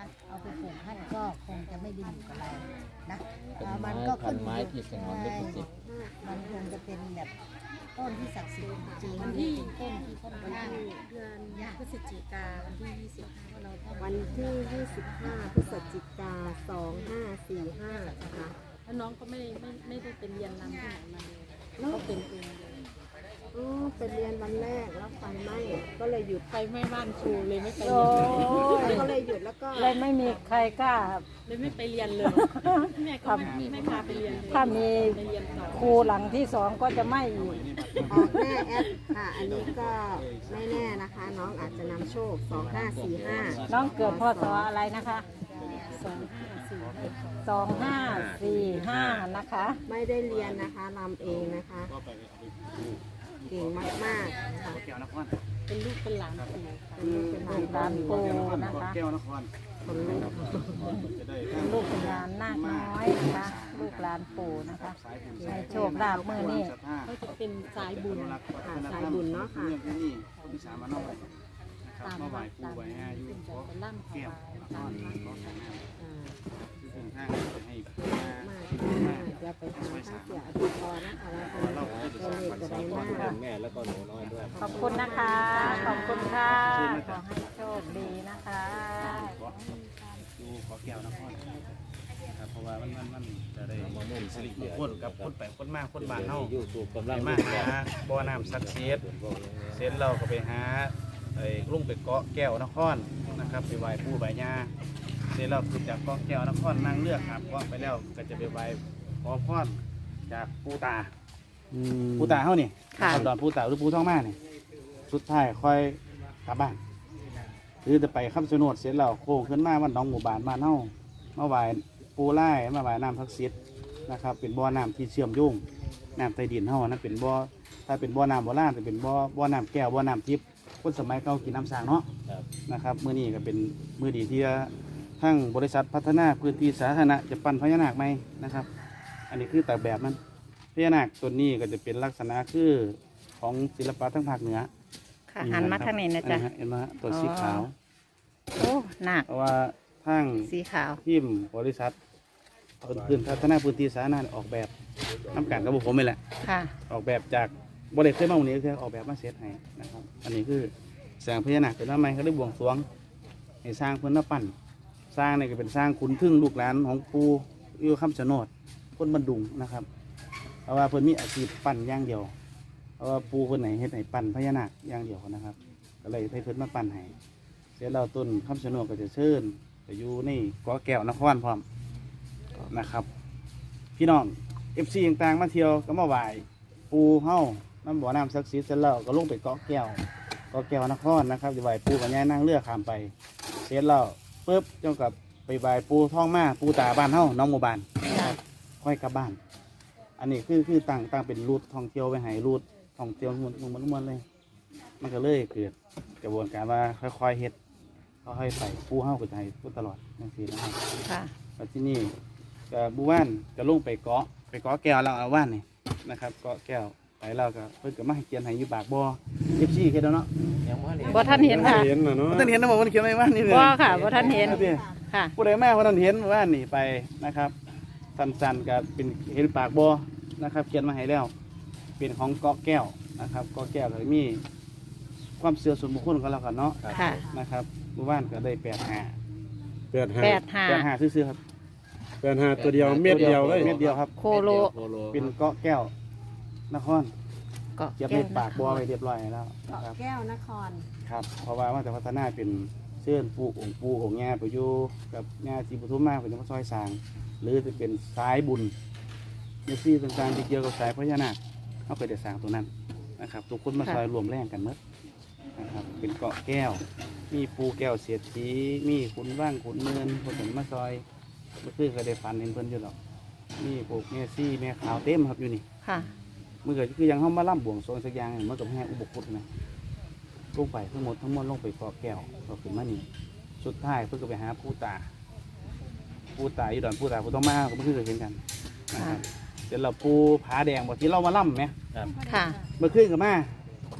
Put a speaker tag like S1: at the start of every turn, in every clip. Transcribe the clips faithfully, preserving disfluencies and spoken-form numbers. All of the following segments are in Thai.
S1: เอาไปปลูกท่านก็คงจะไม่ดีอยู่กับเรานะ
S2: เป็น
S1: มั
S2: ไม้
S1: ก็
S2: พั
S1: ขึ้
S2: น
S1: น
S2: ไม้
S1: อยู่
S2: ที่สงวนลิขสิทธิ์
S1: มันคงจะเป็นแบบต้นที่ศักดิ์สิทธิ์จริง
S3: วันที่
S1: ต้นที่ค่อน
S3: วัน
S1: ข้าง
S3: ที่เดือนพฤศจิกาวันที่ยี่สิบห้าเราต้อง
S4: วันที่ยี่สิบห้าพฤศจิกาสองห้าสี่ห้านะคะ
S3: แล้วน้องก็ไม่ไม่ไม่ได้เป็นเรียนรำที่ไหนมาเลย
S4: แล้ว
S3: ก็เป็นเองเลย
S4: อ๋อเป็นเรียนวันแรกแล้วไฟไหม้ก็เลยหยุด
S3: ไฟไหม้บ้านครูเลยไม่ไป
S4: โอ้
S3: เรียนเลย
S4: ก็เลยหยุดแล้วก็
S5: เลยไม่มีใครกล้า
S3: เลยไม่ไปเรียนเลยแม่ก็ไม่ไม่พาไปเรียนเลย
S5: ถ้ามี
S3: ไปเรียนต่อ
S5: ครูหลังที่สองก็จะไม่อีก
S4: ออกแน่แอดค่ะ อันนี้ก็ไม่แน่นะคะ น้องอาจจะนำโชคสองห้าสี่ห้า
S5: น้องเกิดพศอะไรนะคะ
S3: สองห้าสี่ห้า
S5: สองห้าสี่ห้านะคะ
S4: ไม่ได้เรียนนะคะนำเองนะคะ เก่งมากๆค่ะ
S3: เป็นลูกเป็นหลานครูค่ะ
S4: เป็นลูกเป็นหลาน
S5: ร้านปูนะคะ
S6: แก้วนคร
S4: คนลูก
S6: จะได้
S5: เป็นลูกเป็นหลานนาคน้อยนะคะ ลูกหลานปู่นะคะให้โชคลาภมือนี่
S3: ก็จะเป็นสายบุญ
S4: ค่ะสายบุญเนาะค่ะ
S6: เรื่องที่นี่คนที่สามมานอกนะครับ
S3: ตาม
S6: มาไหว้
S3: วัด
S6: ครู
S3: ตาม
S6: ไหว้อายุ
S3: ขึ้น
S6: ข
S3: จะ
S6: อ
S3: เป็นล่ำถ
S6: แก้ว
S3: วาย
S6: น
S3: ตา
S6: อ
S3: ม
S6: น
S3: วัด
S6: ขอทาง
S4: อ่า
S6: ซึ่งทางจะให้
S4: มากมากเดี๋ยวไปถามท่านเสียอภิพรนะคะว่าเป็นตัวเลขจะได้มาก
S2: แม่แล้วก็หนูน้อยด้วย
S5: ขอบคุณนะคะ ขอบคุณค่ะ ขอให้โชคดีนะคะ
S6: ขอดูขอแก้วนครครับเพราะว่ามันมันมันจะได้สิริมงคลกับคนไปคนมาคนบ้านเฮา
S2: ยูทูบกำ
S6: ไป
S2: ลัง
S6: มาหาบ่อน้ำศักดิ์สิทธิ์เสร็จเราก็ไปหาไอ้ลุงไปเกาะแก้วนครนะครับไปไหว้ปู่ไหว้ย่าเสร็จเราขึ้นจากเกาะแก้วนครนั่งเรือครับเกาะไปแล้วก็จะไปไหว้ขอพรจากปู่ตาปู่ตาเฮานี่
S4: ค่ะ
S6: ดอนปู่ตาหรือปู่ท้องมานี่สุดท้ายค่อยกลับบ้านหรือจะไปคำชะโนดเสร็จแล้วโค้งขึ้นมาวันหนองหมู่บ้านบ้านเฮามาไหว้ปู่ไล่มาไหว้น้ำศักดิ์สิทธิ์นะครับเป็นบ่อน้ำที่เชื่อมโยงน้ำใต้ดินเฮานะเป็นบ่อถ้าเป็นบ่อน้ำโบราณจะเป็นบ่อบ่อน้ำแก้วบ่อน้ำทิพย์คนสมัยเก่ากินน้ำสร้างเนาะ
S2: ครับ
S6: นะครับมื้อนี้ก็เป็นมื้อดีที่ทั้งบริษัทพัฒนาพื้นที่สาธารณะจะปั้นพญานาคไหมนะครับ อันนี้คือแต่แบบมันพญานาคตัวนี้ก็จะเป็นลักษณะคือของศิลปะทั้งภาคเหนือ
S5: ค่ะหันมาทางนี้นะจ๊ะ
S6: เห็นไหมฮะตัวสีขาว
S5: โอ้หนัก
S6: เพราะว่าทั้ง
S5: สีขาว
S6: ทีมบริษัทพื้นพัฒนาพื้นที่สาธารณะออกแบบน้ำกันกับพวกผมนี่แหละ
S5: ค่ะ
S6: ออกแบบจากบริษัทเคยมาวันนี้คือออกแบบมาเสร็จให้นะครับ อันนี้คือแสงพญานาคเป็นว่าไมเขาได้บวงสรวงให้สร้างเพื่อนมาปั้น สร้างนี่ก็เป็นสร้างขุนทึ่งลูกหลานของปูอยู่คำชะโนดคนบันดุงนะครับ เพราะว่าเพิ่นมีอาชีพปั้นอย่างเดียว เพราะว่าปูคนไหนเฮ็ดให้ปั้นพญานาคอย่างเดียวนะครับ ก็เลยให้เพิ่นมาปั้นให้เสร็จแล้วต้นคำชะโนดก็จะเชิญไปอยู่ในเกาะแก้วนครพร้อมนะครับ พี่น้องเอฟซีต่างๆมาเที่ยวก็มาไหว้ปูเฮาน้ำบ่อน้ำศักดิ์สิทธิ์เสร็จแล้วก็ลงไปเกาะแก้วเกาะแก้วนครนะครับจะไหว้ปูกับย่านั่งเรือข้ามไปเสร็จแล้วปุ๊บเจ้ากับไปไหว้ปูท้องมาปูตาบ้านเฮาน้องหมู่บ้านนะครับค่อยกลับบ้าน อันนี้คือคือตั้งตั้งเป็นรูทท่องเที่ยวไปให้รูทท่องเที่ยวมันมันมันเลย มันก็เลยเกิดกระบวนการว่าค่อยๆเฮ็ดค่อยๆไปปูเฮาก็จะให้ปูตลอดนั่นสินะครับ
S5: ค่ะ
S6: แล้วที่นี่ก็บูว่านก็ลงไปเกาะไปเกาะแก้วเราเอาว่านนี่นะครับเกาะแก้วไปเราก็เพิ่นก็มาให้เขียนให้อยู่ปากบ่อเอฟซีเฮ็ดแล้วเนาะ
S2: ยังไม่เห็น
S5: บ่ท่านเห็นค่ะ
S6: เห็นเนาะท่านเห็นนะบอกว่าเขียนไว้ว่านนี่เลย
S5: บ่ค่ะบ่ท่านเห็น
S6: ครับพี่
S5: ค่ะ
S6: ผู้ใดมาว่าท่านเห็นว่านนี่ไปนะครับสั้นๆก็เป็นเห็นปากบ่อนะครับ เขียนมาให้แล้ว เป็นของเกาะแก้วนะครับเกาะแก้วก็มีความเชื่อส่วนบุคคลของเรากันเนาะ
S5: ค่ะ
S6: นะครับบูว่านก็ได้แปดห้า
S7: แปดห้า
S5: แปดห้า
S6: แปดห้าซื่อๆครับ
S7: แปดห้าตัวเดียวเม็ดเดียวเลย
S6: เม็ดเดียวครับ
S5: โคโล
S2: โคโล
S6: เป็นเกาะแก้วนคร
S5: เกาะ
S6: เก็บ
S5: แก้
S6: ใน
S5: ว
S6: ปากบัวไว้เรียบร้อยแล้ว
S4: เกาะ
S6: นะครับ
S4: แก้วนคร
S6: ครับ เพราะว่าว่าจะพัฒนาเป็นเชื่อนปูองค์ปูของแง่ไปอยู่กับแง่จีปทุมมาเป็นมาซอยสร้าง หรือจะเป็นสายบุญเนซี่ต่างๆที่เกี่ยวกับสายพญานาคเขาไปได้สร้างตัวนั้นนะครับทุกคนมาซอยรวมแรงกันหมดนะครับเป็นเกาะแก้ว มีปูแก้วเสียดสีมีขุนว่างขุนเมือนคนถึงมาซอยเมื่อคืนก็ได้ฝันเห็นเพิ่นอยู่หรอกมีปลูกเนซี่แม่ขาวเต็มครับอยู่นี่
S5: ค่ะ
S6: มื่อเกิดคือยังเข้ามาล่ำบวงสรวงสักอย่างเมื่อกับแห่อุบกุฎนะลงไปทั้งหมดทั้งมวลลงไปเกาะแก้วเราขึ้นมานี่สุดท้ายเพื่อก็ไปหาผู้ตาผู้ตาอีดอนผู้ตาผู้ต้องมาก็ไม่เคยเห็นกันนะครับเดี๋ยวเราปูผาแดงบอกที่เรามาล่ำไหม
S2: ครับ
S5: ค่ะ
S6: เมื่อคืนกับมา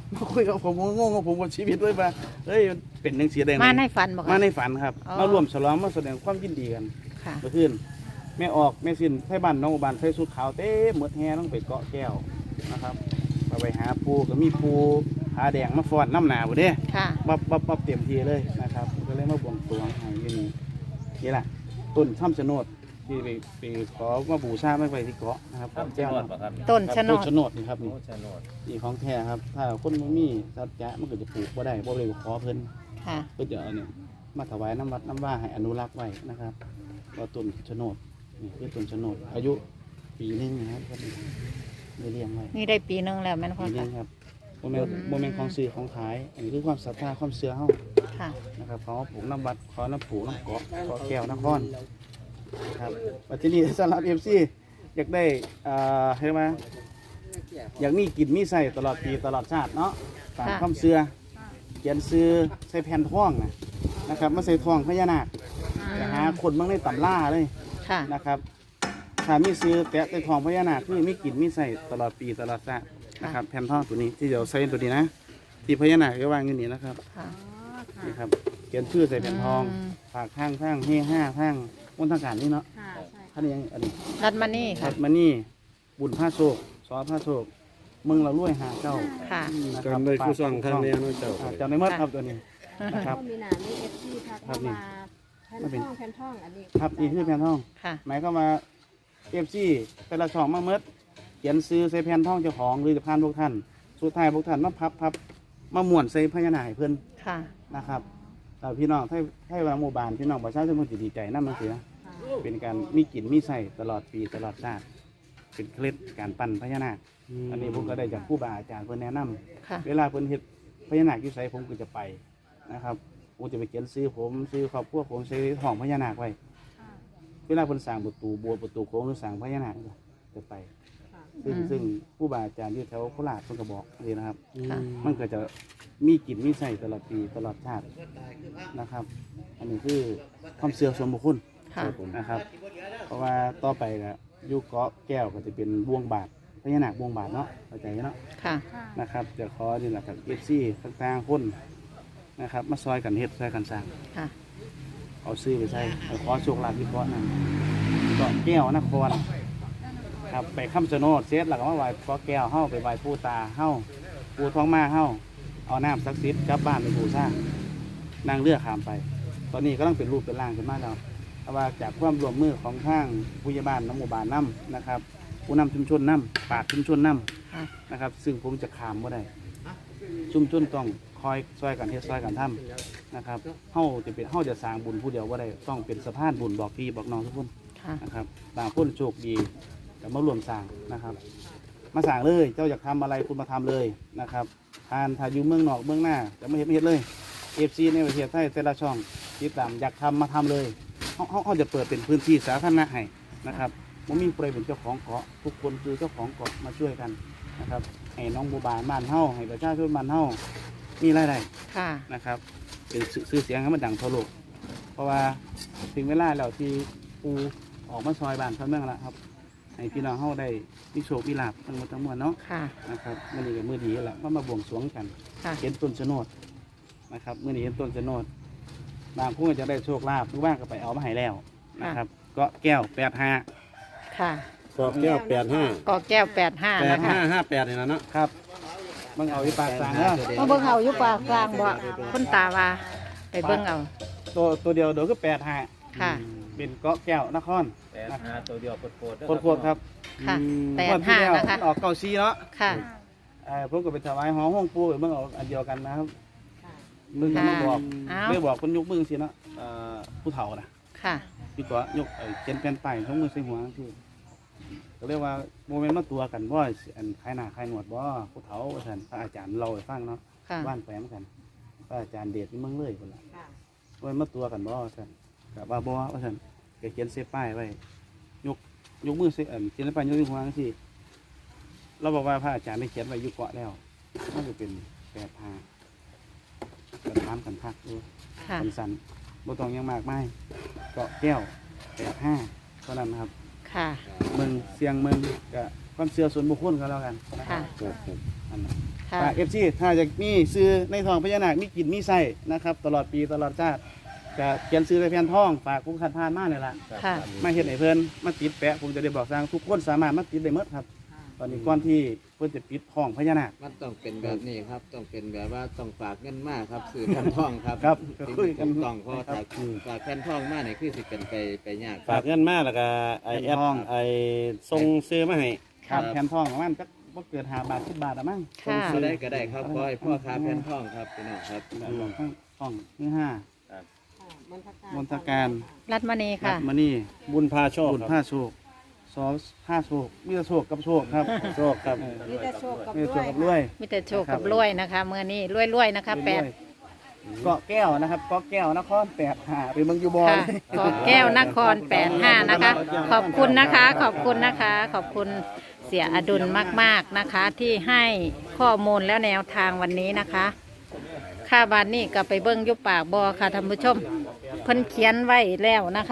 S6: มาคุยกับผมผมงงกับผมกับชีวิตเลยว่าเฮ้ยมันเป็นจังซี่ได้ไง
S5: มาในฝันบอก
S6: มาในฝันครับ
S5: อ๋อ
S6: มาร่วมฉลองมาแสดงความยินดีกัน
S5: ค่ะ
S6: เมื่อคืนแม่ออกแม่สินไทบ้านน้องอุบานใส่สุดขาวเต้หมดแห่ต้องไปเกาะแก้วนะครับมาไปหาปูก็มีปูหาแดงมาฟ้อนน้ำหนาบ่เด้
S5: ค่ะ
S6: บับบับบับเต็มทีเลยนะครับก็เลยมาบวงสรวงให้อยู่นี่นี่แหละต้นช่ำชะโนดที่ไปไปขอมาบูชาไม่ไปที่เกาะนะครับ
S2: ทำเจ้าหนวดป่ะครับ
S5: ต้นชะโน
S6: ต้น
S5: ด
S6: ชะโนดนี่ครับ
S2: โอ้
S6: นี่
S2: ชะโนด
S6: นี่ของแท้ครับ ถ้าคนบ่มีสัจจะมันก็จะปลูกบ่ได้บ่เลยขอเพิ่น
S5: ค่ะ
S6: เพิ่นจะเอาเนี่ยมาถวายน้ำวัดน้ำว่าให้อนุรักษ์ไว้นะครับว่าต้นชะโนดนี่คือต้นชะโนดอายุปีหนึงนะครับครับได้เลี้ยงไว้
S5: นี่ได้ปีหนึงแล้วแม่นพ่อ
S6: ปีหนึ
S5: ค่ะ
S6: งครับโมเมนโมเมนของซื้อของขายอันนี้คือความศรัทธาความเชื่อเฮา
S5: ค่ะ
S6: นะครับเขาปลูกน้ำวัดขอน้ำผูน้ำเกาะเกาะแก้วนครครับปัจจุบันสำหรับเอฟซีอยากได้อ่าเห็นไหมอยากมีกินมีใส่ตลอดปีตลอดชาติเนาะตามความเชื่อเขียนซื้อใส่แผ่นท่องนะนะครับมาใส่ท่องพญานาคไปหาคนบางในตำล่าเลย
S5: ค่ะ
S6: นะครับถ้ามีซื้อแตะใส่ท่องพญานาคคือมีกินมีใส่ตลอดปีตลอดชาตินะครับแผ่นท่องตัวนี้ที่เดี๋ยวใส่ตัวนี้นะที่พญานาคก็วางอยู่นี่นะครับ
S5: ค่ะ
S6: นี่ครับเขียนชื่อใส่แผ่นทอง
S5: อืม
S6: ฝากข้างข้างเฮห้าข้างบนทางการนี่เนาะ
S4: ค่ะใช่
S6: ท่านนี้ยังอันนี้
S5: รัดมานี่
S6: ถั
S5: ค่ะ
S6: ดมานี่บุญผ้าโศกซอผ้าโศกมึงเราลุ่ยหาเจ้า
S5: ค่ะ
S6: นะค
S7: กั
S6: รั
S7: น
S6: บ
S7: ได้ผู้
S6: ฝาก
S7: สั่งทางแนวน้อยเจ้า
S6: อ่าจำได้หมดครับตัวนี้นะครับ
S4: ก็มีหนามีเอฟซีทัก
S6: ครั
S4: เข้า
S6: บนี่
S4: มาแผ่นท่องแผ่นท่องอันนี้
S6: ครับนี่คือแผ่นทอง
S5: ค่ะ
S6: หมายเข้ามว่าเอฟซีแต่ละช่องมาเมดเขียนซื้อใส่แผ่นทองเจ้าของหรือจะพานพวกท่านสุดท้ายพวกท่านมาพับพับมาม้วนใส่พญานาคให้เพื่อน
S5: ค่ะ
S6: นะครับแต่พี่น้องให้ให้วางหมู่บ้านพี่น้องประชาชนมันจะดีใจนั่นมันเสีย เป็นการมีกินมีใส่ตลอดปีตลอดชาติเป็นเคล็ดการปั้นพญานาค อันนี้ผมก็ได้จากผู้บาอาจารย์เพื่อนแนะนำ
S5: ค่ะ
S6: เวลาเพื่อนเฮ็ดพญานาคอยู่ไสผมก็จะไปนะครับผมจะไปเขียนซื้อผมซื้อครอบครัวผมซื้อห้องพญานาคไว้เวลาเพิ่นสร้างประตูโบัวประตูโค้งหรือสร้างพญานาคจะไป ซึ่ง
S5: อืม
S6: ซึ่งผู้บาอาจารย์ที่แถวโคราชเพิ่นก็บอกเลยนะครับ
S5: ค่ะ
S6: มันก็จะมีกินมีใส่ตลอดปีตลอดชาตินะครับ อันนี้คือความเชื่อส่วนบุคคล
S5: ค่ะ
S6: นะครับ เพราะว่าต่อไปก็อยุเกาะแก้วก็จะเป็นบ่วงบาทพญานาคบ่วงบาทเนาะเข้าใจเนาะ
S5: ค่ะ
S6: นะครับจะขอนี่แหละกับเอฟซีต่างๆคนนะครับ มาซอยกันเฮ็ดซอยกันสร้าง
S5: ค่ะ
S6: เอาซื้อไปใส่เอาขอโชคลาภที่เกาะนั่นเกาะแก้วนครครับไปคำชะโนดเซตหลักว่าไหว้เกาะแก้วเฮ้าไปไหว้ผู้ตาเฮ้าผู้ท้องมาเฮ้าเอาน้ำศักดิ์สิทธิ์กลับบ้านไปบูชานั่งเรือข้ามไป ตอนนี้ก็ต้องเป็นรูปเป็นร่างขึ้นมาแล้วเพราะว่าจากความร่วมมือของทางผู้ใหญ่บ้านน้ำหมู่บ้านน้ำนะครับ ผู้นำชุมชนน้ำปราชญ์ชุมชนน้
S5: ค่ะ
S6: ำนะครับ ซึ่งผมจะขามบ่ได้ ชุมชนต้องคอยซอยกันเฮ็ดซอยกันทำนะครับเฮาจะเป็นเฮาจะสร้างบุญผู้เดียวบ่ได้ต้องเป็นสะพานบุญบอกพี่บอกน้องทุกคน
S5: ค่ะ
S6: นะครับบางคนโชคดีแต่มาร่วมสร้างนะครับ มาสร้างเลยเจ้าอยากทำอะไรคุณมาทำเลยนะครับทานถ้าอยู่เมืองนอกเมืองหน้าจะไม่เห็นไม่เห็นเลยเอฟซีในประเทศไทยแต่ละช่องติดตามอยากทำมาทำเลยเขาเขาเขาจะเปิดเป็นพื้นที่สาธารณะให้นะครับมันมีใครเป็นเจ้าของเกาะทุกคนคือเจ้าของเกาะมาช่วยกันนะครับให้น้องบูบานบ้านเฮาให้ประชาชนบ้านเฮามีรายได้
S5: ค่ะ
S6: นะครับเป็นชื่อเสียงให้มันดังทั่วโลกเพราะว่าถึงเวลาแล้วที่ปูออกมาซอยบ้านเท่านั้นละครับให้พี่น้องเฮาได้มีโชคมีลาภทั้งหมดทั้งมวลเนาะ
S5: ค่ะ
S6: นะครับมื่อนี้กับมือดีแหละก็มาบวงสรวงกัน
S5: ค่ะ
S6: เห็นต้นชะโนดนะครับมื่อนี้เห็นต้นชะโนดบางผู้ก็จะได้โชคลาภหรือว่าก็ไปเอามาให้แล้วนะครับ ก็แก้วแปดห้า
S5: ค่ะ
S7: กอกแก้วแปดห้าก
S5: อแก้วแปดห้า
S7: แปด
S5: นะคะ
S7: ห้าห้าแปดนี่นะเนาะ
S6: ครับมึงเอาที่ปากสางแล้ว
S5: มาเบิ่งเอาอยู่ปากกลางบ่คนตาว่าไปเบิ่งเอา
S6: ตัวตัวเดียวเดี๋ยวก็แปดห้า
S5: ค่ะ
S6: เป็นเกาะแก้วนคร
S2: แต่หาตัวเดียวโคตร
S6: โคตรๆครับ
S5: ค่ะ
S6: อืม
S5: แปด
S6: งวที่
S5: ห้า
S6: แล้ว
S5: นะคะ
S6: มันออกเก้าซีเนาะ
S5: ค่ะ
S6: เออผมก็ไปถวายหอห้องปูเมื่อเอาอันเดียวกันนะครับมึงก็มาบอก
S5: เอา
S6: เมื่อบอกคนยกมือสิเนาะเอ่อผู้เฒ่านะ
S5: ค่ะ
S6: พี่ก็ยกไอ้เขียนแผ่นป้ายทั้งมือใส่หัวคือก็เรียกว่าโมเมนต์มาตัวกันว่าอันคล้ายหน้าคล้ายหนวดบ่ผู้เฒ่าว่าท่านพระอาจารย์เราให้ฟังเนาะ
S5: ค่ะ
S6: บ้านแฝงกันพระอาจารย์เดชที่เมืองเลยคนละว่ามาตัวกันบ่ว่าท่านกับว่าบ่ว่าท่านก็เขียนเส้ป้ายไว้ยกยกมือใส่อันเขียนป้ายยกมือหัวที่เราบอกว่าพระอาจารย์ได้เขียนไว้อยู่เกาะแล้วมันจะเป็นแปดทางกระทำกันพักดู
S5: ค่ะ
S6: สันสันบ่ต้องหยังมากมายเกาะแก้วแปดห้าเท่านั้นนะครับ
S5: ค่ะ
S6: เมืองเสียงเมืองกับความเชื่อส่วนบุคคลก็แล้วกันนะค
S5: ค่ะ
S6: รับ
S7: ครับครับ
S6: อันนั้น
S5: ค่ะ
S6: ฝากเอฟซีถ้าจะมีซื้อในทองพญานาคมีกินมีไส้นะครับตลอดปีตลอดชาติจะเขียนซื้อในแผ่นทองฝากผู้ขันพานมากเลยล่ะ
S5: ค่ะ
S6: มาเห็นไอ้เพิ่นมาติดแปะผมจะได้บอกสร้างทุกคนสามารถมาติดได้หมดครับ ตอนนี้ก่อนที่เพิ่นจะปิดทองพญานาค
S8: มันต้องเป็นแบบนี้ครับ ต้องเป็นแบบว่าต้องฝากเงินมากครับสื่อแผ่นทองครับ
S6: ครับ
S8: สิ่ง
S6: คุย
S8: ที่
S6: กัน
S8: ถูกต้องเพราะว่าถ้าฝากแผ่นทองมากเนี่ยคือสิเป็นไปไปยาก
S7: ฝากเงินมาแล้วก็ไอแอป
S6: ทอง
S7: ไอส่งซื้อมาให้
S6: ครับแผ่นทองประมาณจักบ่เกินห้าบาทสิบบาทอะมั้ง
S5: ค่ะ
S8: ก็ได้ก็ได้ครับขอให้พ่อค้าแผ่นทองครับพี่น้องครับ
S6: แบบของทองทองนี่ห้า
S4: มนทการ
S6: มนทการ
S5: รัดมณี
S6: รั
S5: ค่ะ
S6: ตมานี่
S7: บุญพาโชค
S6: บุญ
S7: ครับ
S6: ผ้าโชคซอสผ้าโชคมีแต่โชคกับโชคครับ
S7: โชคครับ
S6: เออ
S4: มีแต่โชคกับ
S6: มีแต่โช
S4: ด้ว
S6: ค
S4: ย
S6: กับรวย
S5: มีแต่โชคกับรวยนะคะเมื่อนี้รวยๆนะคะแปด
S6: เกาะแก้วนะครับเกาะแก้วนครแปดหาหรือเมืองยูบอล
S5: ค่ะขอแก้วนครแปดห้านะคะ ขอบคุณนะคะ ขอบคุณนะคะ ขอบคุณเสียอดุลมากๆนะคะ ที่ให้ข้อมูลแล้วแนวทางวันนี้นะคะค่าบานนี่ก็ไปเบิ้งอยุบปากบอค่ะท่านผู้ชมเพิ่นเขียนไว้แล้วนะคะ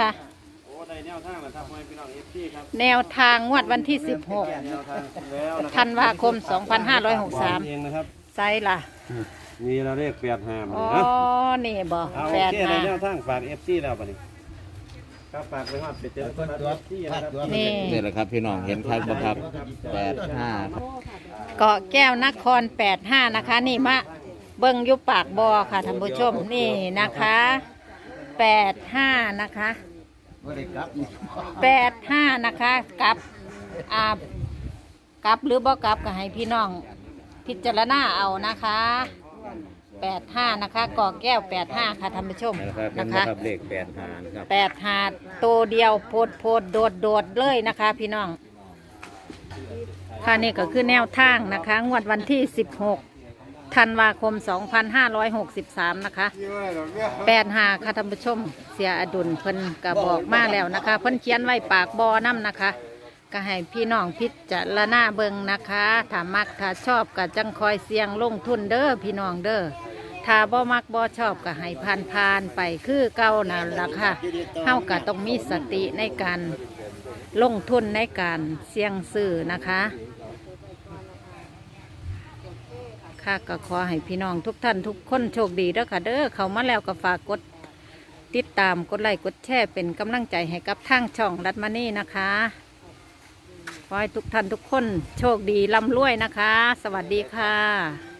S5: แนวทางงวดวันที่สิบหกธันวาคมสองพันห้าร้อยหกสิบสาม
S7: เองนะครับ
S5: ไซล่ะ
S7: มีเราเลขแปดห้ามา
S5: อ๋อ
S7: นะ
S5: นี่บอ
S7: เอา
S5: แป
S7: โอ
S5: ด
S7: เคใน
S5: ห้า
S7: แนวทางฝากเอฟซีแล้วปะนี่ครับฝากไปฮอดไปเจอคนตัวที่นะครับ
S5: นี่
S8: นี่แหละครับพี่น้องเห็นครับบ่ครับแปดห้า
S5: เกาะแก้วนครแปดห้านะคะ นี่มาเบิ้งอยุบปากบอค่ะท่านผู้ชมนี่นะคะแปดห้านะคะแปดห้านะคะกลับอ่ากลับหรือบ่กลับก็ให้พี่น้องพิจารณาเอานะคะแปดห้านะคะเกาะแก้วแปดห้าค่ะท่านผู้ชม
S2: นะครับเป็น
S5: นะคะ
S2: นะครับเลขแปดหารครับ
S5: แปดหาตัวเดียวโพดโพดโดดโดดเลยนะคะ พี่น้องค่ะนี่ก็คือแนวทางนะคะ งวดวันที่สิบหกธันวาคมสองพันห้าร้อยหกสิบสามนะคะแปดหาค่ะท่านผู้ชมเสียอดุลเพิ่นก็บอกมาแล้วนะคะเพิ่นเขียนไว้ปากบอน้ำนะคะก็ให้พี่น้องพิจารณาเบิงนะคะถ้ามักถ้าชอบก็จังคอยเสี่ยงลงทุนเด้อพี่น้องเด้อถ้าบ่มักบ่ชอบก็ให้ผ่านผ่านๆไปคือเก่านั่นล่ะค่ะเฮาก็ต้องมีสติในการลงทุนในการเสี่ยงซื้อนะคะค่ะก็ขอให้พี่น้องทุกท่านทุกคนโชคดีเด้อค่ะเด้อเข้ามาแล้วก็ฝากกดติดตามกดไลค์กดแชร์เป็นกำลังใจให้กับทางช่องรัตมานี่นะคะขอให้ทุกท่านทุกคนโชคดีร่ำรวยนะคะ สวัสดีค่ะ